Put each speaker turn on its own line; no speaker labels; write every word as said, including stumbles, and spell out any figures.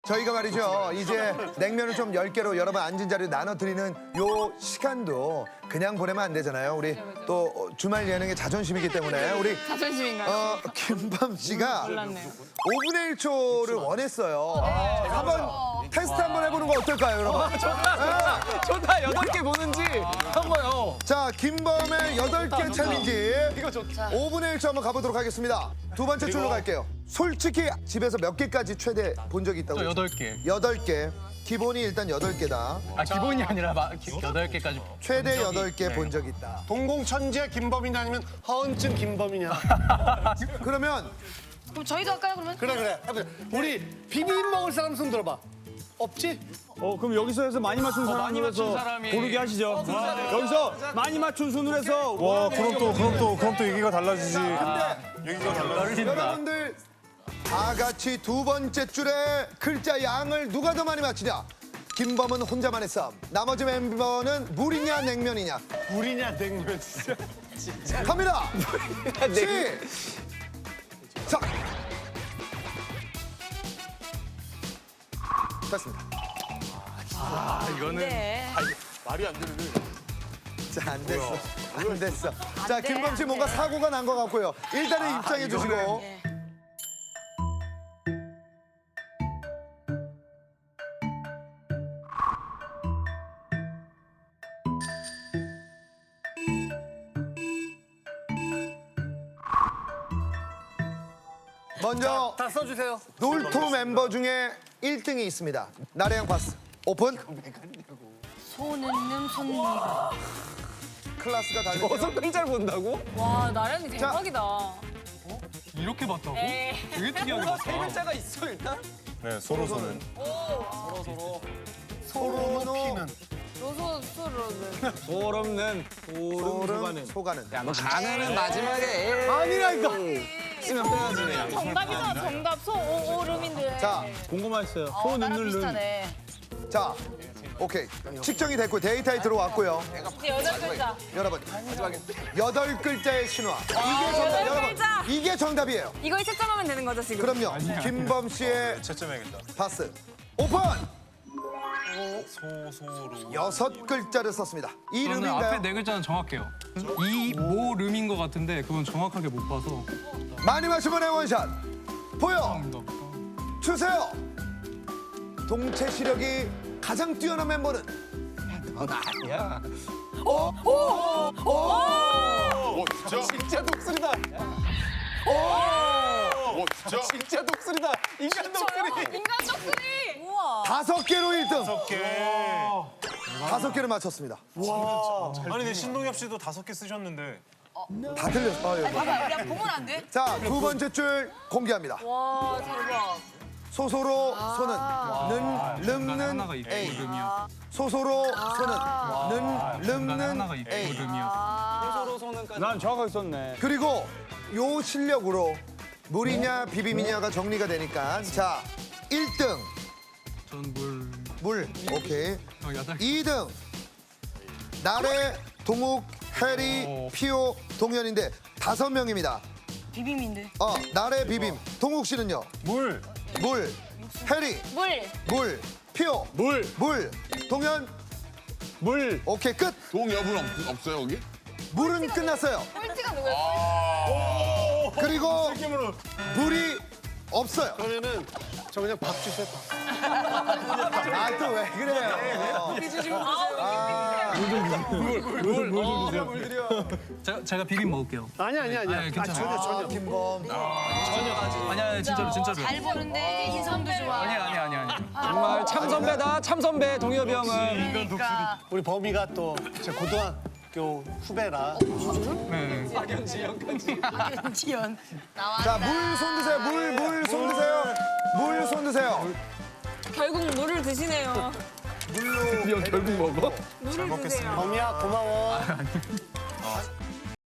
저희가 말이죠. 이제 냉면을 좀 열 개로 여러분 앉은 자리에 나눠드리는 요 시간도 그냥 보내면 안 되잖아요. 우리 또 주말 예능의 자존심이기 때문에 우리
자존심인가요?
어, 김밤 씨가
몰랐네요.
오분의 일 초를 원했어요. 한번 테스트 한번 해보는 거 어떨까요, 여러분?
좋다. 여덟 개 보는지 한번요.
자, 김밤의 여덟 개 챌린지
이거 좋다.
오분의 일 초 한번 가보도록 하겠습니다. 두 번째 줄로 갈게요. 솔직히 집에서 몇 개까지 최대 본 적이 있다고?
저 여덟 개.
여덟 개. 기본이 일단 여덟 개다.
아 기본이 아니라 마- 기- 여덟 개까지.
최대
적이-
여덟 개
네.
본 적 있다.
동공천재 김범이냐 아니면 허언증 김범이냐.
그러면
그럼 저희도 할까요, 그러면?
그래 그래. 해보자. 우리 비빔 먹을 사람 손 들어봐. 없지?
어 그럼 여기서 해서 많이 맞춘
많이
사람으로
맞춘
해서
사람이-
고르게 하시죠. 여기서 많이 맞춘 순으로 해서
와 그럼 또 그럼 또 그럼 또 얘기가 달라지지. 얘기가 달라지지.
여러분들 다 같이 두 번째 줄에 글자 양을 누가 더 많이 맞히냐? 김범은 혼자만의 싸움. 나머지 멤버는 물이냐 냉면이냐?
물이냐 냉면 진짜.
갑니다. 시. 작. 됐습니다.
아 이거는
네.
말이 안 되는데.
자, 안 됐어. 안 됐어. 자,
돼,
김범 씨
안
뭔가
돼.
사고가 난 것 같고요. 일단은 입장해 주시고.
네.
먼저
다 써주세요.
놀토 멤버 중에 일 등이 있습니다. 나래양 파스. 오픈.
손은름 손미가.
클라스가 다르죠.
여섯 글자를 본다고?
와, 나량이 대박이다.
이렇게 봤다고?
에이.
되게 특이하게
세
봤다.
글자가 있어 일단.
네 서로 서는.
서로
피는.
로소 소로는.
소름는 소름
소름
소가는.
소가는.
야, 너 가면은 마지막에 아니라니까. 쓰면 빼야지.
정답이잖아, 정답. 소오름인데.
자,
궁금했어요.
어,
손
나랑
넣는 눈.
비슷하네.
자, 오케이. 측정이 됐고 데이터에 들어왔고요.
이제 여덟 글자.
여러분, 여덟 글자의 신화. 이게 정답.
여덟
여러분,
글자.
이게 정답이에요.
이거에 채점하면 되는 거죠, 지금?
그럼요. 김범 씨의
채점해야겠다.
파스. 오픈.
소소로.
여섯 글자를 썼습니다.
저는 앞에
이름인가요?
네 글자는 정확해요. 이모름인 것 같은데 그건 정확하게 못 봐서.
많이 마시면 원샷. 보여
정답.
주세요. 동체 시력이 가장 뛰어난 멤버는
넌 아니야.
오 진짜?
진짜 독수리다.
오 진짜?
진짜 독수리다. 인간 독수리.
인간 떡소리! 우와.
다섯 개로 일 등.
다섯 개.
다섯 개를 맞췄습니다.
아니 근데 신동엽 씨도 다섯 개 쓰셨는데.
다 틀렸어. 아, 예.
봐봐, 야, 보면 안 돼?
자, 두 번째 줄 공개합니다.
와, 대박.
소소로 소는 는
중간에 하나가
름는
있고
A.
름이야.
소소로 소는 는
중간에 하나가
름는
있고
A.
름이야.
서로 소는까지.
난 정확하게 썼네.
그리고 요 실력으로 물이냐 비빔이냐가 정리가 되니까 자, 일 등
전 물.
물. 오케이.
어, 여덟.
이 등 나래, 동욱, 해리,
오.
피오, 동현인데 다섯 명입니다.
비빔인데.
어, 나래 비빔. 동욱 씨는요?
물.
물. 해리,
물.
물. 피오,
물,
물. 동현,
물.
오케이, 끝.
동엽은 없, 없어요 여기?
물은 끝났어요.
꼴찌가 누구야?
그리고 물이 없어요.
그러면은 저 그냥 밥 주세요. 밥.
아, 또 왜 그래요?
제가 제가 비빔 먹을게요.
아니 아니 아니.
아니, 괜찮아요.
전혀 전혀.
김범.
아니 아니 진짜로 진짜로.
잘 보는데 인성도 좋아.
아니 아니 아니 아니.
정말 참 선배다. 참 선배 동엽이 형은.
그러니까.
우리 범이가 또 제 고등학교 후배라.
네.
지연. 나와.
자, 물 손 드세요. 물, 물 손 드세요. 물 손 드세요.
결국 물을 드시네요.
물로.
형 결국 먹어?
물을 드세요.
범이야 고마워.